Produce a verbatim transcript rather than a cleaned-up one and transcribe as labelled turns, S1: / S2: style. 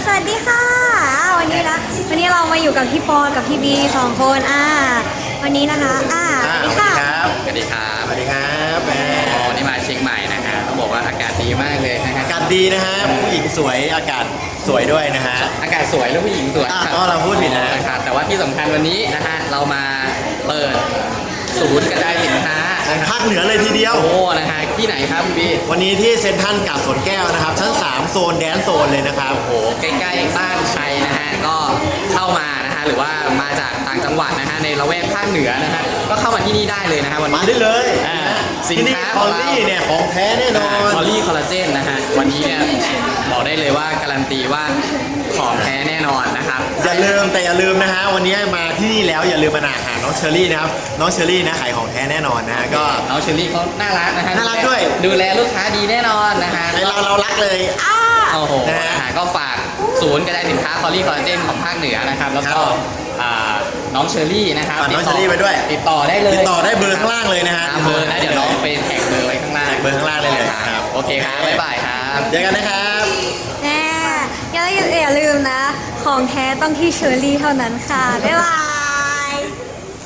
S1: สวัสดีค่ะวันนี้นะวันนี้เรามาอยู่กับพี่ปอนกับพี่บีสองคนอ่าวันนี้นะคะอ่าสวัสดีค่ะ
S2: สวัสดีครับ
S3: สวัสดีครับแหม
S2: วันนี้มาเชียงใหม่นะฮะต้องบอกว่าอากาศดีมากเลยนะฮะ
S3: อากาศดีนะฮะผู้หญิงสวยอากาศสวยด้วยนะฮะ
S2: อากาศสวยแล้วผู้หญิงสวย
S3: อ่ะก็เราพูดผิดนะ
S2: ครับแต่ว่าที่สำคัญวันนี้นะฮะเรามาเปิดศูนย์กระจายสินค้า
S3: ของภาคเหนือเลยทีเดียว
S2: โอ้นะฮะที่ไหนครับพี่บี
S3: วันนี้ที่เซ็นทรัลกาดสวนแก้วนะครับชั้นสามโซนแดนโซนเลยนะครับ
S2: โอ้ใกล้ๆบ้านใครนะฮะก็เข้ามานะฮะหรือว่ามาจากต่างจังหวัดนะฮะในละแวกภาคเหนือนะฮะก็เข้ามาที่นี่ได้เลยนะฮะวัน
S3: มา
S2: นี้
S3: ได้เลย
S2: อ่าสิน
S3: ที่นี่
S2: ค้า
S3: คอลลี่เนี่ยของแท้แน่นอน
S2: คอลลี่คอลลาเจนนะฮะวันนี้เนี่ยบอกได้เลยว่าการันตีว่าของแท้แน่นอนนะครับ
S3: อย่าลืมแต่อย่าลืมนะฮะวันนี้มาที่นี่แล้วอย่าลืมมาหาน้องเชอรี่นะครับน้องเชอรี่นะขายของแท้แน่นอนนะฮะก็
S2: น้องเชอรี่เขาน่ารักนะฮะ
S3: น่ารักด้วย
S2: ดูแลลูกค้าดีแน่นอนนะฮะ
S3: ในเราเรารักเลยอ้า
S2: โอ้โห
S3: นะฮะ
S2: นะฮะก็ฝากศูนย์กระจายสินค้าคอลลี่คอลลาเจนของภาคเหนือนะครับแล้วก็
S3: ครับ
S2: อ่าน้องเชอรี่นะครับ
S3: ฝากน้อง
S2: ติต่
S3: เชอรี่ไว้ด้วย
S2: ติดต่อได้เลย
S3: ติดต่อได้เบอร์ข้างล่างเลยนะฮะ
S2: ตามเบอร์นะเดี๋ยวน้องไปแท็กเบอร์ไว้ข้างล่าง
S3: แท็กเบอร์ข้างล่างได้เลยครับ
S2: โอเคครับบ๊ายบายครับ
S3: เจอกันนะครับ
S1: แน่อย่าอย่าลืมนะ ของแท้ต้องที่เชอรี่เท่านั้นค่ะ บ๊ายบาย